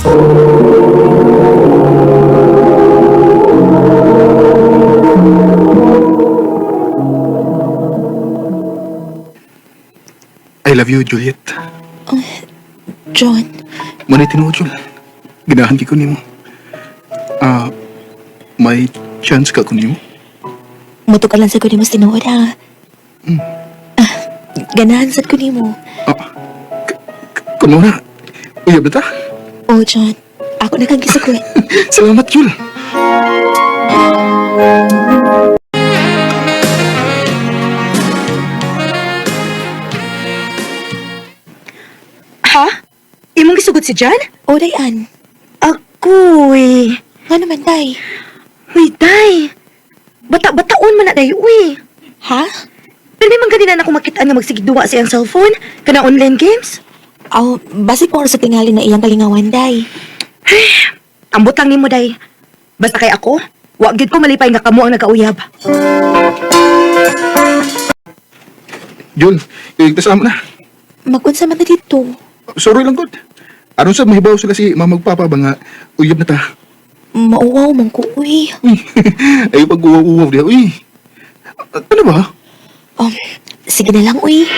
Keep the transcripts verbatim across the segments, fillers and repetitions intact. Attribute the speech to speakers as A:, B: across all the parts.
A: I love you, Juliet.
B: John,
A: Manay tinuod, Jul. Ginahan ki ko nimo. Ah, may chance ka ko nimo?
B: muto ka lang sa kunin mo tinuod ha. Ah, ganahan sa kunin mo.
A: Ah, k- k- kuno na. Uyab na ta.
B: Oh, John, ako na kang gisukot.
A: Salamat, Jul.
C: Ha? Imong gisugot si John?
B: Oh, dayan.
C: Agoy.
B: Nga naman, day.
C: Uy, day. Bata-bataon man na, day. Uy.
B: Ha?
C: Pero man ganina na ako makita nga magsigduwa sa iyang cellphone. Kana online games.
B: Aw, basi ko sa tingali na iyang kalingawan, day.
C: Ambot lang nimo, day. Basta kay ako, wag gid ko malipay nga kamo ang nagauyab.
A: Jul, iligtas mo na.
B: Magunsa man na dito.
A: Sorry lang, God. Aron sa mahibaw sila si mamagpapa ba nga uyab na ta.
B: Mauwaw man ko, uy.
A: Uy, ay pag-uwaw-uwaw diya. Uy, ano ba?
B: Um, sige na lang, uy.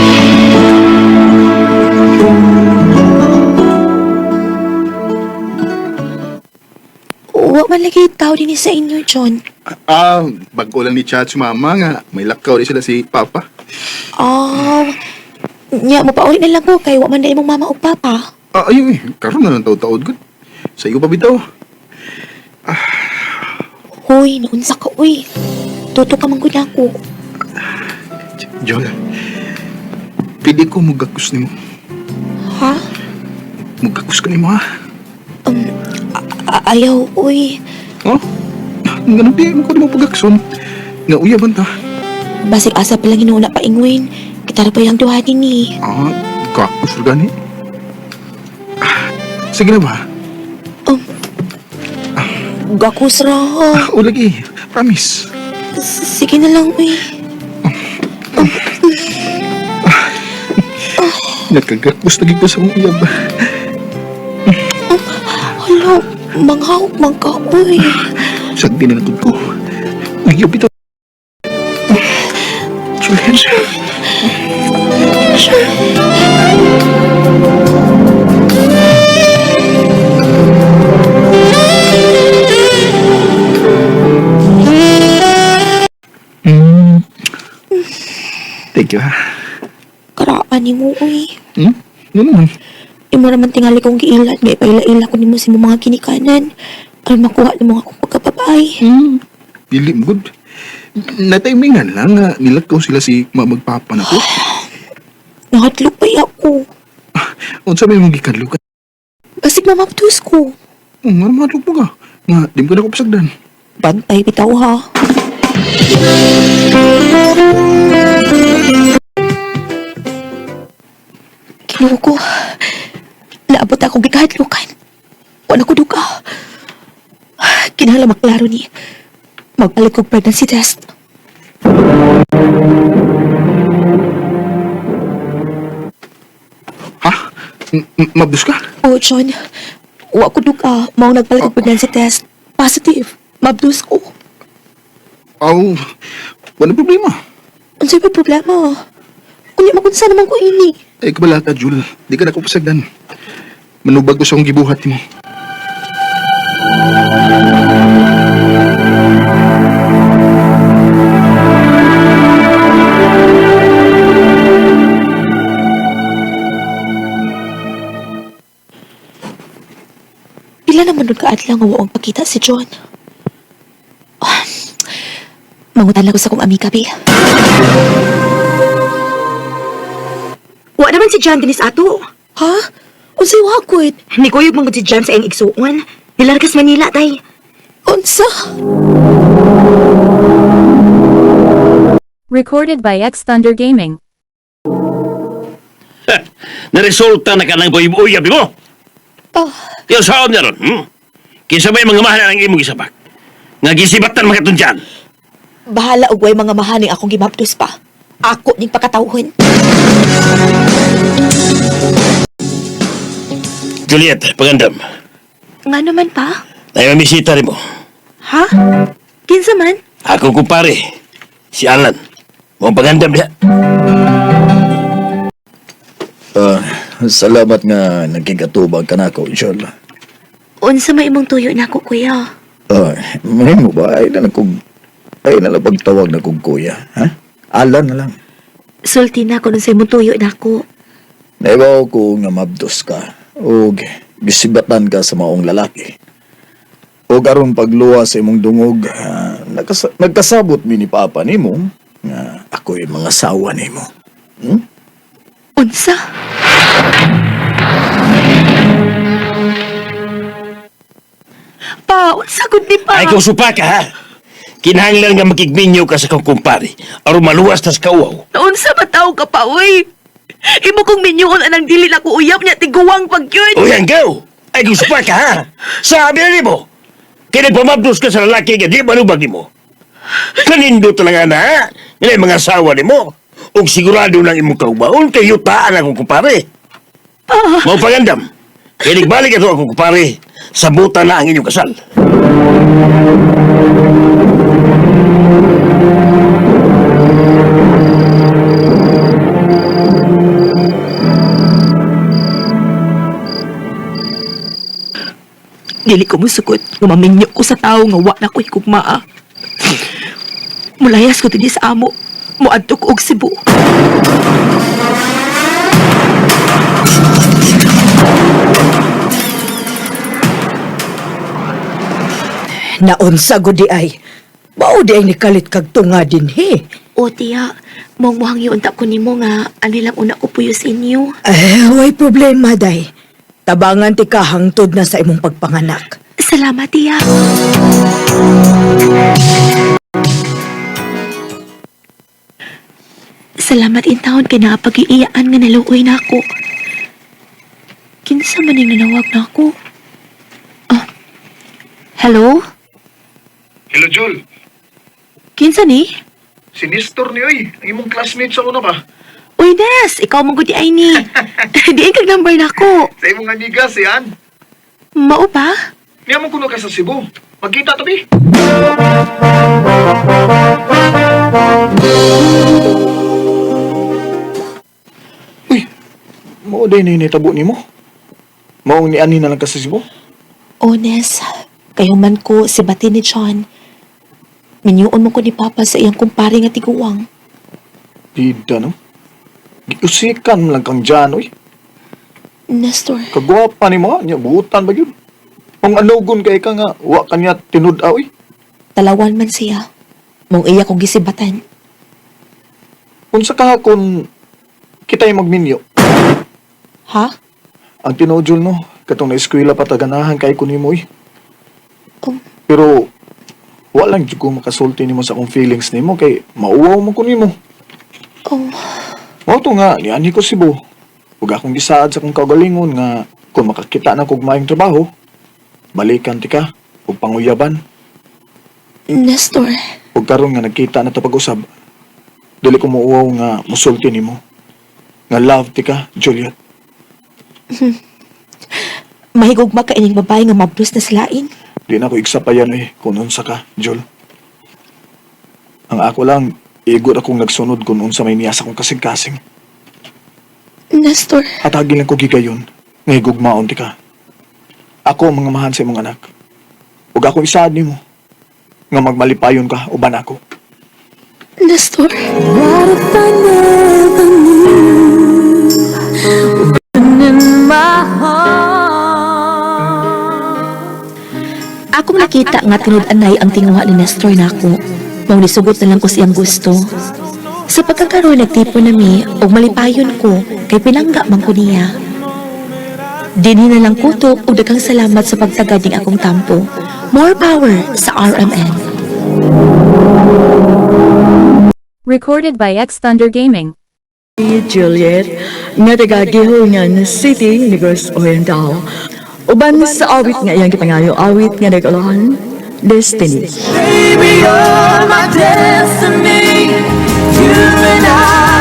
B: Wa man lagi tao din sa inyo, John.
A: Ah, bago lang ni chat si mama nga. May lakaw rin sila si papa.
B: Ah, nya mo pa ulit na lang ko kay wa man na imong mama o papa.
A: Ah, ayun eh. Karoon na ng taod-taod, God. Sa iyo pa bitaw.
B: Hoy, naunsa ka, uy. Tuto ka man gud ako.
A: Jol, pwede ko mugakus ni mo.
B: Ha?
A: Mugakus ka ni mo, ha?
B: Um, a- ayaw, uy.
A: Oh? Nga nang di mo ko di mo pagakson. Nga uyaban ta.
B: Basig asa pa lang inuuna pa ingwin. Kitara pa yung duhatin ni.
A: Ah, gakus rin gani. Ah, sige na ba?
B: Gakus ra.
A: Ah, o lagi. Promise.
B: S- Sige na lang, uy.
A: Nagkagakus lagi ko sa mong uyab.
B: Hala, manghawak man ka, uy.
A: Sagdi na natod ko. Uyab ito. Julian. Mm. Thank you, ha?
B: Karaan ni mo, uy.
A: Hmm? Ano naman?
B: Imo naman tingali kong giilan. May paila-ila ko ni mo sa imong mga kinikanan. Aron makuha ni mga akong pagkapapay.
A: Hmm. Dili mo, good. Natimingan lang nga nilakaw sila si mamagpapa na ko.
B: Nakatlog pa ako.
A: Unsa may mong gikadlo ka?
B: Basig mamaptus ko.
A: Oh, nga naman mo ka. Nga, di mo ka na ko pasagdan.
B: Bantay bitaw ha. Kinuha ko. Naabot akong gikahadlukan. Wala ko duka. Kinahanglan maklaro ni. Magpalit kong pregnancy test.
A: Ha? M- m- Mabdus ka?
B: Oh, John. Wa ko duka. Mao nagpalit kong pregnancy test. Positive. Mabdus ko.
A: Aw, wala problema.
B: Ano ba problema? Kunya makunsa naman ko ini.
A: Ay, kabalaka, Jul. Di ka na ko pasagdan. Manubag ko sa akong gibuhat mo.
B: Pila naman nun kaadlaw nga waong pakita si John. Ah, mangutan lang ko sa kong amika, Bi.
C: Wa naman si John dinis ato.
B: Ha? Unsay wakod?
C: Ni kuyog mong si John sa iyang igsuon. Nilargas Manila, tay.
B: Unsa?
D: Recorded by X Thunder Gaming.
E: Naresulta na ka ng uyab mo.
B: Ah,
E: Kaya saan niya ron, hmm? Kisa ba'y mga mahal ang imong isabak? Nga gisibatan mga tunjan.
B: bahala og way mga mahaning akong gimaptos pa. Ako ning pakatawhon.
E: Juliet, pagandam.
B: Nga naman pa?
E: Ay mamisita rin mo.
B: Ha? Kinsa man?
E: Ako kumpare, si Alan. Mong pagandam niya.
F: Ah, salamat nga nagkigatubag ka na ako, Joel.
B: Unsa may imong tuyo na ako, kuya?
F: Ah, may mo ba? Ay na lang kong... Ay na lang pagtawag na kong kuya, ha? Alan na lang.
B: Sulti na ako nung sa imong tuyo na ako.
F: Naibaw ko nga mabdos ka. O gisibatan ka sa maong lalaki. O karon pagluwa sa imong dungog, ah, nagkas- nagkasabot mi ni Papa nimo nga ako'y mga sawa nimo. Hmm?
B: Unsa? Pa, unsa gud ni pa?
E: Ay kung supa ka ha. Kinahanglan nga makigminyo ka sa kong kumpare. Aron maluwas tas kauaw.
B: Unsa ba tao ka pa, uy? Imo kong minyuon anang dili na ko uyab niya tiguwang pagyud.
E: O yan, go! Ay kung supa ka ha. Sabi na mo. Kaya nagpamabdos ka sa lalaki nga di malubag ni mo. Kanindo talaga na ha. Yan ay mga asawa ni mo. O sigurado ng imong kaubaon kay yutaan akong kumpare. Mau pagandam. Kaya nagbalik ito akong kumpare. Sabutan na ang inyong kasal.
B: Dili ko musukot nga maminyo ko sa tao nga wa na ko higugmaa. Mulayas ko tidi sa amo. Muadto ko og Cebu.
G: Naunsa gudi ay. Mao di ay nikalit kag tunga din he.
B: O tiya, mong muhang yun ko nimo nga anilang una ko puyo sa inyo.
G: Eh, way problema day. Tabangan ti ka hangtod na sa imong pagpanganak.
B: Salamat tiya. Salamat in taon kay nakapag-iiyaan nga naluoy na ako. Kinsa man yung nanawag na ako? Ah, hello?
A: Hello, Joel.
B: Kinsa ni?
A: Si Nestor ni Oy. Ang imong classmate sa una ba?
B: Uy, Des! Ikaw mong gudi ay ni. Diin kag number na ako.
A: Sa imong amiga, si Ann.
B: Mao ba?
A: Niya mo kuno ka sa Cebu. Magkita tabi. Uy, mao day na initabo ni mo. Maong ni Annie na lang ka sa Cebu.
B: O, Nes. Kayo man ko si Bati ni John. Minyuon mo ko ni Papa sa iyang kumpare nga tiguwang.
A: Dida, no? Giusikan mo lang kang dyan, oy.
B: Nestor,
A: Kagwapa ni mo, niya, buutan ba yun? Ang anugon kay ka nga, wa ka niya tinud oy.
B: talawan man siya. Mong iya kong gisibatan.
A: Unsa ka kung kita'y magminyo?
B: Ha?
A: Ang tinodjol, no? Katong na-eskwela pa taganahan kay ko ni mo, eh.
B: Oh,
A: Pero, walang dyan ko makasulti ni mo sa akong feelings ni mo, kay mauwaw mo ko ni mo.
B: oh,
A: Mao to nga, niani ko si Bo. Huwag akong gisaad sa akong kagalingon nga kung makakita na kog maayong trabaho, balikan ti ka, ug panguyaban.
B: Nestor.
A: Ug karon nga nagkita na ta pag-usab, dili ko muuwaw nga musulti ni mo. Nga love ti ka, Juliet.
B: Mahigugma ka ining babae nga mabdos na silain.
A: Di na ko igsapayan eh, kung unsa ka, Jul. Ang ako lang, igot akong nagsunod kung unsa may niyasa kong kasing-kasing.
B: Nestor.
A: At hagil lang ko gigayon, nga higugmaon ti ka. Ako ang mga mahan sa imong anak. Ug ako isaad nimo nga magmalipayon ka uban ako.
B: Nestor. Akong nakita nga tinud-anay ang tinguha ni Nestor na ako. Mao nisugot na lang ko siyang gusto. Sa pagkakaroon nagtipon nami og malipayon ko kay pinangga man ko niya. Dinhi na lang kutob og daghang salamat sa pagtagad ning akong tampo. More power sa R M N.
D: Recorded by X Thunder Gaming.
G: Juliet, nga taga-gihungan City, Negros Oriental. Uban sa awit nga iyang gipangayo, awit nga nag-alahan, Destiny.
H: Baby, you're my destiny. You and I